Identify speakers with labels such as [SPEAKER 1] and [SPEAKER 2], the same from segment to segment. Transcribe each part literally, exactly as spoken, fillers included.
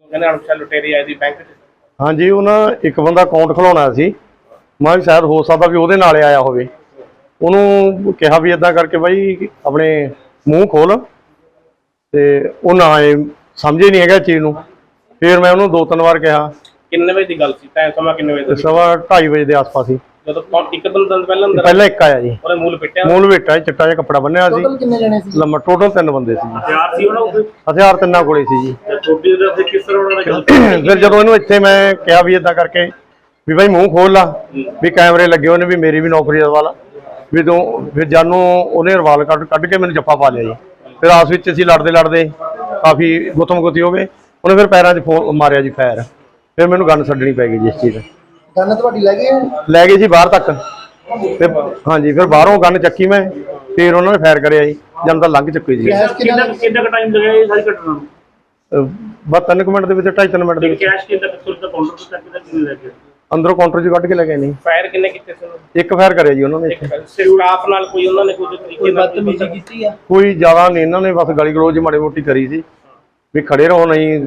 [SPEAKER 1] ਕਹਿੰਦੇ ਅਣਪਛਾਤੇ ਲੁਟੇਰੇ ਆਏ ਸੀ ਬੈਂਕ 'ਚ।
[SPEAKER 2] ਹਾਂਜੀ, ਉਹਨਾਂ ਇੱਕ ਬੰਦਾ ਅਕਾਊਂਟ ਖੁਲਾਉਣਾ ਸੀ। ਮੈਂ ਸ਼ਾਇਦ ਹੋ ਸਕਦਾ ਵੀ ਉਹਦੇ ਨਾਲ ਆਇਆ ਹੋਵੇ। ਉਹਨੂੰ ਕਿਹਾ ਵੀ ਇਦਾਂ ਕਰਕੇ ਬਾਈ ਆਪਣੇ ਮੂੰਹ ਖੋਲ, ਤੇ ਉਹ ਨਾ ਆਏ, ਸਮਝੇ ਨਹੀਂ ਹੈਗਾ ਚੀਜ਼ ਨੂੰ। ਫਿਰ ਮੈਂ ਉਹਨੂੰ ਦੋ ਤਿੰਨ ਵਾਰ ਕਿਹਾ।
[SPEAKER 1] ਕਿੰਨੇ ਵਜੇ ਦੀ ਗੱਲ ਸੀ? ਟਾਈਮ ਸਮਾਂ ਕਿੰਨੇ ਵਜੇ ਦਾ?
[SPEAKER 2] ਸਵਾ ਢਾਈ ਵਜੇ ਦੇ ਆਸ-ਪਾਸ ਹੀ।
[SPEAKER 1] ਜਦੋਂ ਇੱਕ ਦਿਨ ਪਹਿਲਾਂ ਅੰਦਰ
[SPEAKER 2] ਪਹਿਲਾਂ ਇੱਕ ਆਇਆ ਜੀ।
[SPEAKER 1] ਉਹਨੇ ਮੂਲ ਪਿੱਟਿਆ?
[SPEAKER 2] ਮੂਲ ਵੇਟਾ, ਚਿੱਟਾ ਜਿਹਾ ਕੱਪੜਾ ਬੰਨਿਆ ਸੀ।
[SPEAKER 3] ਟੋਟਲ ਕਿੰਨੇ ਜਣੇ ਸੀ?
[SPEAKER 2] ਲੰਮਾ ਟੋਟਲ ਤਿੰਨ ਬੰਦੇ ਸੀ ਜੀ।
[SPEAKER 1] ਹਥਿਆਰ ਸੀ ਉਹਨਾਂ ਕੋਲ?
[SPEAKER 2] ਹਥਿਆਰ ਤਿੰਨਾਂ ਕੋਲੇ ਸੀ ਜੀ।
[SPEAKER 1] ਛੋਟੀ ਜਿਹੀ ਫਿਰ ਕਿਸ ਤਰ੍ਹਾਂ ਉਹਨਾਂ ਨੇ ਗੱਲ?
[SPEAKER 2] ਫਿਰ ਜਦੋਂ ਇਹਨੂੰ ਇੱਥੇ ਮੈਂ ਕਿਹਾ ਵੀ ਇਦਾਂ ਕਰਕੇ ਵੀ ਬਾਈ ਮੂੰਹ ਖੋਲ ਲਾ, ਵੀ ਕੈਮਰੇ ਲੱਗੇ ਹੋਏ ਨੇ, ਵੀ ਮੇਰੀ ਵੀ ਨੌਕਰੀ ਦਾ ਸਵਾਲ ਵੀ ਤੂੰ। ਫਿਰ ਜਾਨੂੰ ਉਹਨੇ ਰਵਾਲ ਕੱਢ ਕੱਢ ਕੇ ਮੈਨੂੰ ਜੱਫਾ ਪਾ ਲਿਆ ਜੀ। ਫਿਰ ਆਪਸ ਵਿੱਚ ਅਸੀਂ ਲੜਦੇ ਲੜਦੇ ਕਾਫੀ ਗੁੱਥਮ ਗੁੱਥੀ ਹੋ ਗਏ। ਉਹਨੇ ਫਿਰ ਪੈਰਾਂ 'ਚ ਫੋ ਮਾਰਿਆ ਜੀ ਫਾਇਰ। ਫਿਰ ਮੈਨੂੰ ਗੰਨ ਛੱਡਣੀ ਪੈ ਗਈ ਜੀ ਇਸ ਚੀਜ਼।
[SPEAKER 3] ਗੰਨ ਤੁਹਾਡੀ ਲੈ ਗਏ?
[SPEAKER 2] ਲੈ ਗਏ ਜੀ ਬਾਹਰ ਤੱਕ। ਫਿਰ ਹਾਂਜੀ, ਫਿਰ ਬਾਹਰੋਂ ਗੰਨ ਚੱਕੀ ਮੈਂ। ਫਿਰ ਉਹਨਾਂ ਨੇ ਫਾਇਰ ਕਰਿਆ ਜੀ, ਜਦ ਤਾਂ ਲੰਘ ਚੁੱਕੀ ਜੀ।
[SPEAKER 1] ਕਿੰਨਾ ਕਿੰਨਾ ਕੁ ਟਾਈਮ ਲੱਗਿਆ ਇਹ ਸਾਰੀ ਘਟਨਾ ਨੂੰ?
[SPEAKER 2] ਬਸ ਤਿੰਨ ਕੁ ਮਿੰਟ ਦੇ ਵਿੱਚ, ਢਾਈ ਤਿੰਨ ਮਿੰਟ ਦੇ ਵਿੱਚ।
[SPEAKER 1] ਕੈਸ਼ ਕਿੰਨਾ ਕਿੱਥੋਂ ਦਾ ਕਾਊਂਟਰ ਤੋਂ ਚੱਕ ਕੇ ਕਿੰਨੇ ਲੈ ਗਏ?
[SPEAKER 2] ਅੰਦਰੋਂ ਕਾਊਂਟਰ 'ਚ ਕੱਢ ਕੇ ਲੈ ਗਏ ਨਹੀਂ।
[SPEAKER 1] ਫਾਇਰ ਕਿੰਨੇ ਕੀਤੇ ਸੀ ਉਹਨਾਂ ਨੇ?
[SPEAKER 2] ਇੱਕ ਫਾਇਰ ਕਰਿਆ ਜੀ ਉਹਨਾਂ ਨੇ।
[SPEAKER 1] ਸਟਾਫ ਨਾਲ ਕੋਈ ਉਹਨਾਂ ਨੇ ਕੋਈ ਤਰੀਕੇ ਨਾਲ
[SPEAKER 3] ਬਦਤਮੀਜ਼ੀ ਕੀਤੀ ਆ?
[SPEAKER 2] ਕੋਈ ਜ਼ਿਆਦਾ ਨਹੀਂ, ਇਹਨਾਂ ਨੇ ਬਸ ਗਲੀ ਗਲੋਚ ਮਾੜੀ ਮੋਟੀ ਕਰੀ ਸੀ ਵੀ ਖੜੇ ਰਹੋ, ਨਹੀਂ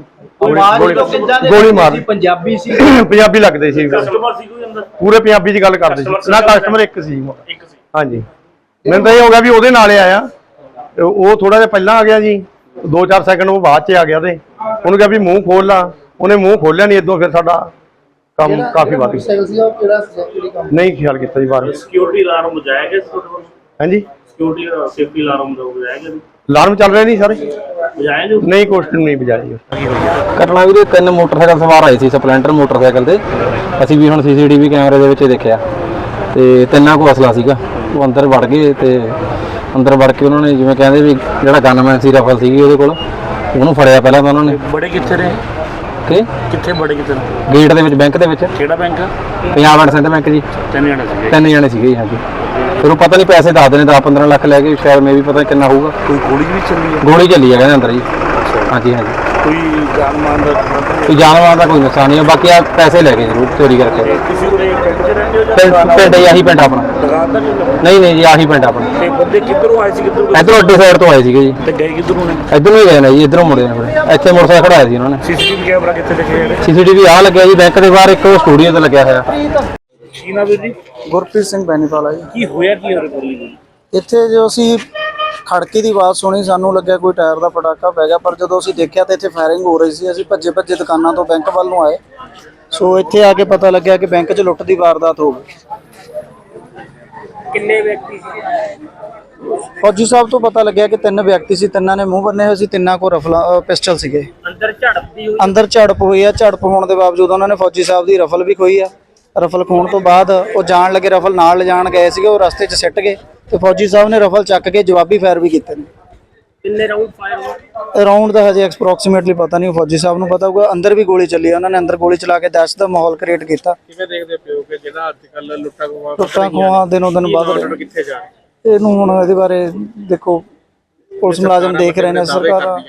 [SPEAKER 2] ਗੋਲੀ ਮਾਰ।
[SPEAKER 3] ਪੰਜਾਬੀ ਸੀ?
[SPEAKER 2] ਪੰਜਾਬੀ ਲੱਗਦੇ ਸੀ,
[SPEAKER 1] ਕਸਟਮਰ ਸੀ ਕੋਈ ਅੰਦਰ?
[SPEAKER 2] ਪੂਰੇ ਪੰਜਾਬੀ 'ਚ ਗੱਲ ਕਰਦੇ ਸੀ ਨਾ। ਕਸਟਮਰ ਇੱਕ ਸੀ।
[SPEAKER 1] ਇੱਕ ਸੀ।
[SPEAKER 2] ਹਾਂਜੀ, ਮੈਨੂੰ ਤਾਂ ਇਹ ਹੋ ਗਿਆ ਵੀ ਉਹਦੇ ਨਾਲ ਆਇਆ। ਉਹ ਥੋੜਾ ਜਿਹਾ ਪਹਿਲਾਂ ਆ ਗਿਆ ਜੀ, ਦੋ ਚਾਰ ਸੈਕਿੰਡ ਉਹ ਬਾਅਦ 'ਚ ਆ ਗਿਆ। ਤੇ ਉਹਨੂੰ ਕਿਹਾ ਵੀ ਮੂੰਹ ਖੋਲ ਲਾ, ਉਹਨੇ ਮੂੰਹ ਖੋਲਿਆ ਨਹੀਂ। ਇਦੋਂ ਫਿਰ ਸਾਡਾ ਕੰਮ ਕਾਫੀ ਵੱਧ ਗਿਆ। ਨਹੀਂ ਖਿਆਲ ਕੀਤਾ ਜੀ ਬਾਹਰ।
[SPEAKER 1] ਸਿਕਿਉਰਿਟੀ ਅਲਾਰਮ ਵਜਾਇਆ ਗਿਆ ਤੁਹਾਡੇ ਕੋਲ?
[SPEAKER 2] ਹਾਂਜੀ,
[SPEAKER 1] ਸਿਕਿਉਰਿਟੀ ਸੇਫਟੀ ਅਲਾਰਮ ਵਜਾਇਆ ਗਿਆ?
[SPEAKER 2] ਅਲਾਰਮ ਚੱਲ ਰਿਹਾ ਨਹੀਂ ਸਾਰੇ?
[SPEAKER 1] ਵਜਾਇਆ ਜੀ?
[SPEAKER 2] ਨਹੀਂ, ਕੁਐਸਚਨ ਨਹੀਂ ਵਜਾਇਆ।
[SPEAKER 4] ਘਟਨਾ ਵੀਰੇ, ਤਿੰਨ ਮੋਟਰਸਾਈਕਲ ਸਵਾਰ ਆਏ ਸੀ ਸਪਲੈਂਡਰ ਮੋਟਰਸਾਈਕਲ ਤੇ। ਅਸੀਂ ਵੀ ਹੁਣ ਸੀਸੀਟੀਵੀ ਕੈਮਰੇ ਦੇ ਵਿੱਚ ਦੇਖਿਆ, ਤੇ ਤਿੰਨਾਂ ਕੋਲ ਅਸਲਾ ਸੀਗਾ। ਉਹ ਅੰਦਰ ਵੜ ਗਏ, ਤੇ ਅੰਦਰ ਵੜ ਕੇ ਉਹਨਾਂ ਨੇ ਜਿਵੇਂ ਕਹਿੰਦੇ ਵੀ ਜਿਹੜਾ ਗਨਮੈਨ ਸੀ ਰਫਲ ਸੀਗੀ ਉਹਦੇ ਕੋਲ, ਉਹਨੂੰ ਫੜਿਆ ਪਹਿਲਾਂ ਤਾਂ ਉਹਨਾਂ ਨੇ।
[SPEAKER 1] ਬੜੇ ਕਿੱਥੇ ਨੇ?
[SPEAKER 4] ਕਿ
[SPEAKER 1] ਕਿੱਥੇ ਬੜੇ ਕਿੱਥੇ?
[SPEAKER 4] ਗੇਟ ਦੇ ਵਿੱਚ, ਬੈਂਕ ਦੇ ਵਿੱਚ।
[SPEAKER 1] ਕਿਹੜਾ bank?
[SPEAKER 4] Punjab and Sindh bank ਜੀ।
[SPEAKER 1] ਤਿੰਨ ਜਣੇ ਸੀਗੇ?
[SPEAKER 4] ਤਿੰਨ ਜਣੇ ਸੀਗੇ ਜੀ। ਹਾਂਜੀ, ਫਿਰ ਉਹ ਪਤਾ ਨਹੀਂ ਪੈਸੇ ਦੱਸਦੇ ਨੇ ਦਸ ਪੰਦਰਾਂ ਲੱਖ ਲੈ ਕੇ, ਸ਼ਾਇਦ ਮੇ ਵੀ ਪਤਾ ਕਿੰਨਾ ਹੋਊਗਾ।
[SPEAKER 1] ਕੋਈ ਗੋਲੀ ਵੀ ਚੱਲੀ ਹੈ?
[SPEAKER 4] ਗੋਲੀ ਚੱਲੀ ਹੈ ਕਹਿੰਦੇ ਅੰਦਰ ਜੀ। ਹਾਂਜੀ ਹਾਂਜੀ।
[SPEAKER 1] ਕੋਈ ਜਾਨ ਮਾਨ ਦਾ?
[SPEAKER 4] ਕੋਈ ਜਾਨਵਰਾਂ ਦਾ ਕੋਈ ਨੁਕਸਾਨ ਨਹੀਂ, ਬਾਕੀ ਆ ਪੈਸੇ ਲੈ ਗਏ ਜ਼ਰੂਰ ਚੋਰੀ ਕਰਕੇ।
[SPEAKER 1] ਤੁਸੀਂ ਕੋਲੇ ਪਿੰਡ 'ਚ ਰਹਿੰਦੇ ਹੋ ਜਾਂ
[SPEAKER 4] ਪਿੰਡ ਪਿੰਡ ਹੀ ਆਹੀ ਪਿੰਡ ਆਪਣਾ?
[SPEAKER 1] ਦੁਕਾਨ ਦਾ ਨਹੀਂ?
[SPEAKER 4] ਨਹੀਂ ਨਹੀਂ ਜੀ, ਆਹੀ ਪਿੰਡ ਆਪਣਾ।
[SPEAKER 1] ਤੇ ਬੰਦੇ ਕਿੱਧਰੋਂ ਆਏ ਸੀ? ਕਿੱਧਰੋਂ?
[SPEAKER 4] ਇੱਧਰੋਂ ਅੱਡੇ ਸਾਈਡ ਤੋਂ ਆਏ ਸੀਗੇ ਜੀ।
[SPEAKER 1] ਤੇ ਗਏ ਕਿੱਧਰੋਂ ਨੇ?
[SPEAKER 4] ਇੱਧਰੋਂ ਹੀ ਗਏ ਨੇ ਜੀ, ਇੱਧਰੋਂ ਮੁੜੇ ਨੇ ਫਿਰ। ਇੱਥੇ ਮੋਟਰਸਾਈਕਲ ਖੜਾਇਆ ਸੀ ਉਹਨਾਂ ਨੇ।
[SPEAKER 1] ਸੀਸੀਟੀਵੀ ਕੈਮਰਾ ਕਿੱਥੇ ਦੇਖਿਆ ਇਹਨੇ?
[SPEAKER 4] ਸੀਸੀਟੀਵੀ ਆ ਲੱਗਿਆ ਜੀ ਬੈਂਕ ਦੇ ਬਾਹਰ, ਇੱਕ ਉਹ ਸਟੂਡੀਓ ਤੇ ਲੱਗਿਆ ਹੋਇਆ।
[SPEAKER 1] ਕੀ ਨਾਮ ਹੈ ਜੀ?
[SPEAKER 3] ਗੁਰਪ੍ਰੀਤ ਸਿੰਘ ਬੈਨੀਵਾਲਾ ਜੀ।
[SPEAKER 1] ਕੀ ਹੋਇਆ ਕੀ ਹੋ ਰਿਹਾ ਜੀ?
[SPEAKER 3] ਇੱਥੇ ਜੋ ਅਸੀਂ ਖੜਕੇ ਦੀ ਆਵਾਜ਼ ਸੁਣੀ, ਸਾਨੂੰ ਲੱਗਿਆ ਕੋਈ ਟਾਇਰ ਦਾ ਪਟਾਕਾ ਪੈ ਗਿਆ, ਪਰ ਜਦੋਂ ਅਸੀਂ ਦੇਖਿਆ ਤਾਂ ਇੱਥੇ ਫਾਇਰਿੰਗ ਹੋ ਰਹੀ ਸੀ। ਅਸੀਂ ਭੱਜੇ ਭੱਜੇ ਦੁਕਾਨਾਂ ਤੋਂ ਬੈਂਕ ਵੱਲ ਨੂੰ ਆਏ। ਸੋ ਇੱਥੇ ਆ ਕੇ ਪਤਾ ਲੱਗਿਆ ਕਿ ਬੈਂਕ 'ਚ ਲੁੱਟ ਦੀ ਵਾਰਦਾਤ ਹੋ ਗਈ।
[SPEAKER 1] ਕਿੰਨੇ ਵਿਅਕਤੀ ਸੀ?
[SPEAKER 3] ਫੌਜੀ ਸਾਹਿਬ ਤੋਂ ਪਤਾ ਲੱਗਿਆ ਕਿ ਤਿੰਨ ਵਿਅਕਤੀ ਸੀ, ਤਿੰਨਾਂ ਨੇ ਮੂੰਹ ਬੰਨੇ ਹੋਏ ਸੀ, ਤਿੰਨਾਂ ਕੋਲ ਰਫਲ ਪਿਸਟਲ ਸੀਗੇ।
[SPEAKER 1] ਅੰਦਰ ਝੜਪਦੀ ਹੋਈ?
[SPEAKER 3] ਅੰਦਰ ਝੜਪ ਹੋਈ ਆ। ਝੜਪ ਹੋਣ ਦੇ ਬਾਵਜੂਦ ਉਹਨਾਂ ਨੇ ਫੌਜੀ ਸਾਹਿਬ ਦੀ ਰਫਲ ਵੀ ਖੋਈ ਆ। ਰਫਲ ਖੋਣ ਤੋਂ ਬਾਅਦ ਉਹ ਜਾਣ ਲੱਗੇ, ਰਫਲ ਨਾਲ ਲਿਜਾਣ ਗਏ ਸੀਗੇ, ਉਹ ਰਸਤੇ 'ਚ ਸਿੱਟ ਗਏ, ਤੇ ਫੌਜੀ ਸਾਹਿਬ ਨੇ ਰਫਲ ਚੱਕ ਕੇ ਜਵਾਬੀ ਫਾਇਰ ਵੀ ਕੀਤੇ ਨੇ।
[SPEAKER 1] ਕਿੰਨੇ ਰਾਉਂਡ ਫਾਇਰ ਹੋਏ?
[SPEAKER 3] ਅਰਾਊਂਡ ਦਾ ਹਜੇ ਐਕਸਪ੍ਰੋਕਸੀਮੇਟਲੀ ਪਤਾ ਨਹੀਂ, ਫੌਜੀ ਸਾਹਿਬ ਨੂੰ ਪਤਾ ਹੋਊਗਾ। ਅੰਦਰ ਵੀ ਗੋਲੀ ਚੱਲੀ, ਉਹਨਾਂ ਨੇ ਅੰਦਰ ਗੋਲੀ ਚਲਾ ਕੇ ਦਹਿਸ਼ਤ ਦਾ ਮਾਹੌਲ ਕ੍ਰੀਏਟ ਕੀਤਾ।
[SPEAKER 1] ਕਿਵੇਂ ਦੇਖਦੇ ਪਿਓ ਕਿ ਜਿਹੜਾ ਅੱਜ ਕੱਲ ਲੁੱਟਾਂ ਖੋਹਾਂ
[SPEAKER 3] ਲੁੱਟਾਂ ਖੋਹਾਂ ਦਿਨੋਂ ਦਿਨ ਵੱਧ
[SPEAKER 1] ਰਹੇ
[SPEAKER 3] ਰਹੇ।
[SPEAKER 1] ਕਿੱਥੇ ਜਾ?
[SPEAKER 3] ਇਹਨੂੰ ਹੁਣ ਇਹਦੇ ਬਾਰੇ ਦੇਖੋ, ਪੁਲਿਸ ਮੁਲਾਜ਼ਮ ਦੇਖ ਰਹੇ ਨੇ, ਸਰਕਾਰ।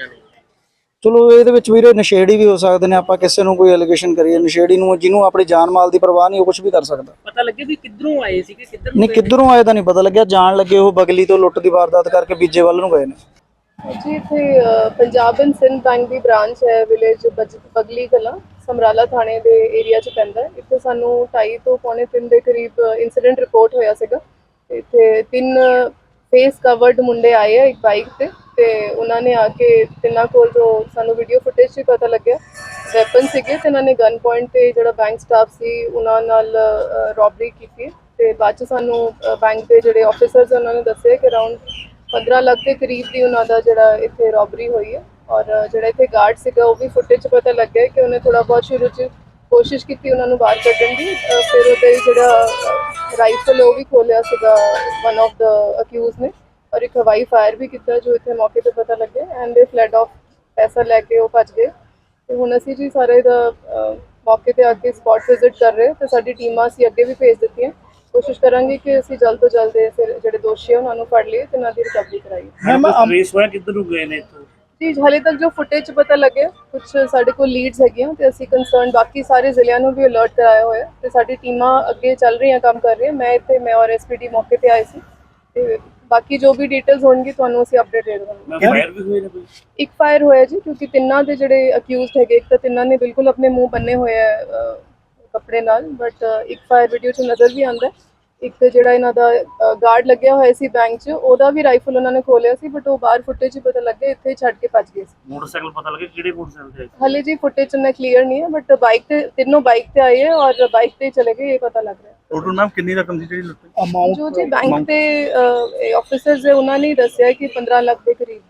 [SPEAKER 3] ਚਲੋ ਇਹਦੇ ਵਿੱਚ ਵੀਰੇ ਨਸ਼ੇੜੀ ਵੀ ਹੋ ਸਕਦੇ ਨੇ। ਆਪਾਂ ਕਿਸੇ ਨੂੰ ਕੋਈ ਐਲੀਗੇਸ਼ਨ ਕਰੀਏ, ਨਸ਼ੇੜੀ ਨੂੰ, ਜਿਹਨੂੰ ਆਪਣੀ ਜਾਨ ਮਾਲ ਦੀ ਪਰਵਾਹ ਨਹੀਂ, ਉਹ ਕੁਝ ਵੀ ਕਰ ਸਕਦਾ।
[SPEAKER 1] ਪਤਾ ਲੱਗੇ ਵੀ ਕਿੱਧਰੋਂ ਆਏ ਸੀ ਕਿ ਕਿੱਧਰ
[SPEAKER 3] ਨਹੀਂ, ਕਿੱਧਰੋਂ ਆਏ ਤਾਂ ਨਹੀਂ ਪਤਾ ਲੱਗਿਆ। ਜਾਣ ਲੱਗੇ ਉਹ ਬਗਲੀ ਤੋਂ ਲੁੱਟ ਦੀ ਵਾਰਦਾਤ ਕਰਕੇ ਬੀਜੇ ਵੱਲ ਨੂੰ ਗਏ ਨੇ
[SPEAKER 5] ਜੀ। ਇੱਥੇ ਪੰਜਾਬ ਐਂਡ ਸਿੰਧ ਬੈਂਕ ਦੀ ਬ੍ਰਾਂਚ ਹੈ, ਵਿਲੇਜ ਬਗਲੀ ਕਲਾਂ, ਸਮਰਾਲਾ ਥਾਣੇ ਦੇ ਏਰੀਆ 'ਚ ਪੈਂਦਾ। ਇੱਥੇ ਸਾਨੂੰ ਢਾਈ ਤੋਂ ਪੌਣੇ ਤਿੰਨ ਦੇ ਕਰੀਬ ਇਨਸੀਡੈਂਟ ਰਿਪੋਰਟ ਹੋਇਆ ਸੀਗਾ। ਇੱਥੇ ਤਿੰਨ ਫੇਸ ਕਵਰਡ ਮੁੰਡੇ ਆਏ ਆ ਇੱਕ ਬਾਈਕ ਤੇ, ਤੇ ਉਹਨਾਂ ਨੇ ਆ ਕੇ ਤਿੰਨਾਂ ਕੋਲ, ਜੋ ਸਾਨੂੰ ਵੀਡੀਓ ਫੁਟੇਜ 'ਚ ਪਤਾ ਲੱਗਿਆ, ਵੈਪਨ ਸੀਗੇ, ਤੇ ਇਹਨਾਂ ਨੇ ਗਨ ਪੁਆਇੰਟ ਤੇ ਜਿਹੜਾ ਬੈਂਕ ਸਟਾਫ ਸੀ ਉਹਨਾਂ ਨਾਲ ਰੋਬਰੀ ਕੀਤੀ। ਤੇ ਬਾਅਦ 'ਚ ਸਾਨੂੰ ਬੈਂਕ ਦੇ ਜਿਹੜੇ ਆਫਿਸਰਸ ਉਹਨਾਂ ਨੇ ਦੱਸਿਆ ਕਿ ਅਰਾਊਂਡ ਪੰਦਰਾਂ ਲੱਖ ਦੇ ਕਰੀਬ ਦੀ ਉਹਨਾਂ ਦਾ ਜਿਹੜਾ ਇੱਥੇ ਰੋਬਰੀ ਹੋਈ ਹੈ। ਔਰ ਜਿਹੜਾ ਇੱਥੇ ਗਾਰਡ ਸੀਗਾ, ਉਹ ਵੀ ਫੁਟੇਜ 'ਚ ਪਤਾ ਲੱਗਿਆ ਕਿ ਉਹਨੇ ਥੋੜਾ ਬਹੁਤ ਸ਼ੁਰੂ 'ਚ ਕੋਸ਼ਿਸ਼ ਕੀਤੀ ਉਹਨਾਂ ਨੂੰ ਬਾਹਰ ਕੱਢਣ ਦੀ। ਫਿਰ ਉਹਦੇ ਜਿਹੜਾ ਰਾਈਫਲ ਉਹ ਵੀ ਖੋਲਿਆ ਸੀਗਾ ਵਨ ਆਫ ਦਾ ਅਕਿਊਜ਼ ਨੇ, ਔਰ ਇੱਕ ਹਵਾਈ ਫਾਇਰ ਵੀ ਕੀਤਾ ਜੋ ਇੱਥੇ ਮੌਕੇ ਤੇ ਪਤਾ ਲੱਗਿਆ। ਐਂਡ ਦੇ ਫਲੈਡ ਆਫ ਪੈਸਾ ਲੈ ਕੇ ਉਹ ਭੱਜ ਗਏ। ਤੇ ਹੁਣ ਅਸੀਂ ਜੀ ਸਾਰੇ ਦਾ ਮੌਕੇ ਤੇ ਆ ਕੇ ਸਪੌਟ ਵਿਜ਼ਿਟ ਕਰ ਰਹੇ, ਤੇ ਸਾਡੀ ਟੀਮਾਂ ਅਸੀਂ ਅੱਗੇ ਵੀ ਭੇਜ ਦਿੱਤੀਆਂ। ਕੋਸ਼ਿਸ਼ ਕਰਾਂਗੇ ਕਿ ਅਸੀਂ ਜਲਦ ਤੋਂ ਜਲਦ ਫਿਰ ਜਿਹੜੇ ਦੋਸ਼ੀ ਆ ਉਹਨਾਂ ਨੂੰ ਫੜ ਲਈਏ ਤੇ ਉਹਨਾਂ ਦੀ ਰਿਕਵਰੀ ਕਰਾਈਏ।
[SPEAKER 1] ਰੇਸ ਹੋਇਆ ਕਿੱਧਰ ਨੂੰ ਗਏ ਨੇ ਇੱਥੋਂ?
[SPEAKER 5] ਜੀ ਹਾਲੇ ਤੱਕ ਜੋ ਫੁਟੇਜ 'ਚ ਪਤਾ ਲੱਗਿਆ, ਕੁਝ ਸਾਡੇ ਕੋਲ ਲੀਡਸ ਹੈਗੀਆਂ, ਤੇ ਅਸੀਂ ਕੰਸਰਨ ਬਾਕੀ ਸਾਰੇ ਜ਼ਿਲ੍ਹਿਆਂ ਨੂੰ ਵੀ ਅਲਰਟ ਕਰਾਇਆ ਹੋਇਆ, ਤੇ ਸਾਡੀ ਟੀਮਾਂ ਅੱਗੇ ਚੱਲ ਰਹੀਆਂ, ਕੰਮ ਕਰ ਰਹੀਆਂ। ਮੈਂ ਇੱਥੇ ਮੈਂ ਔਰ ਐਸ ਪੀ ਡੀ ਮੌਕੇ ਤੇ ਆਏ ਸੀ, ਤੇ ਬਾਕੀ ਜੋ ਵੀ ਡਿਟੇਲਸ ਹੋਣਗੀ ਤੁਹਾਨੂੰ ਅਸੀਂ ਅਪਡੇਟ ਦੇ ਦੇਵਾਂਗੇ।
[SPEAKER 1] ਫਾਇਰ ਵੀ ਹੋਏ ਨੇ ਕੋਈ?
[SPEAKER 5] ਇੱਕ ਫਾਇਰ ਹੋਇਆ ਜੀ, ਕਿਉਂਕਿ ਤਿੰਨਾਂ ਦੇ ਜਿਹੜੇ ਅਕਿਊਜ਼ਡ ਹੈਗੇ, ਇੱਕ ਤਾਂ ਤਿੰਨਾਂ ਨੇ ਬਿਲਕੁਲ ਆਪਣੇ ਮੂੰਹ ਬੰਨੇ ਹੋਏ ਆ ਅਹ, ਕੱਪੜੇ ਨਾਲ, ਬਟ ਇੱਕ ਫਾਇਰ ਵੀਡੀਓ 'ਚ ਨਜ਼ਰ ਵੀ ਆਉਂਦਾ। ਇੱਕ ਜਿਹੜਾ ਇਹਨਾਂ ਦਾ ਗਾਰਡ ਲੱਗਿਆ ਹੋਇਆ ਸੀ ਬੈਂਕ 'ਚ, ਉਹਦਾ ਵੀ ਰਾਈਫਲ ਉਹਨਾਂ ਨੇ ਖੋਲਿਆ ਸੀ, ਬਟ ਉਹ ਬਾਹਰ ਫੁਟੇਜ 'ਚ ਪਤਾ ਲੱਗਿਆ ਇੱਥੇ ਛੱਡ ਕੇ ਭੱਜ ਗਏ ਸੀ।
[SPEAKER 1] ਮੋਟਰਸਾਈਕਲ ਪਤਾ ਲੱਗੇ ਕਿਹੜੇ ਮੋਟਰਸਾਈਕਲ ਤੇ?
[SPEAKER 5] ਹਾਲੇ ਜੀ ਫੁਟੇਜ 'ਚ ਨਾ ਕਲੀਅਰ ਨਹੀਂ ਹੈ, ਬਟ ਬਾਈਕ ਤੇ ਤਿੰਨੋਂ ਬਾਈਕ ਤੇ ਆਏ ਹੈ ਔਰ ਬਾਈਕ ਤੇ ਚਲੇ ਗਏ, ਇਹ ਪਤਾ ਲੱਗ ਰਿਹਾ।
[SPEAKER 6] ਟੋਟਲ ਮੈਮ ਕਿੰਨੀ ਰਕਮ ਸੀ ਜਿਹੜੀ ਲੁੱਟੀ?
[SPEAKER 5] ਜੋ ਜੀ ਬੈਂਕ ਦੇ ਆਫਿਸਰਸ ਹੈ ਉਹਨਾਂ ਨੇ ਦੱਸਿਆ ਕਿ ਪੰਦਰਾਂ ਲੱਖ ਦੇ ਕਰੀਬ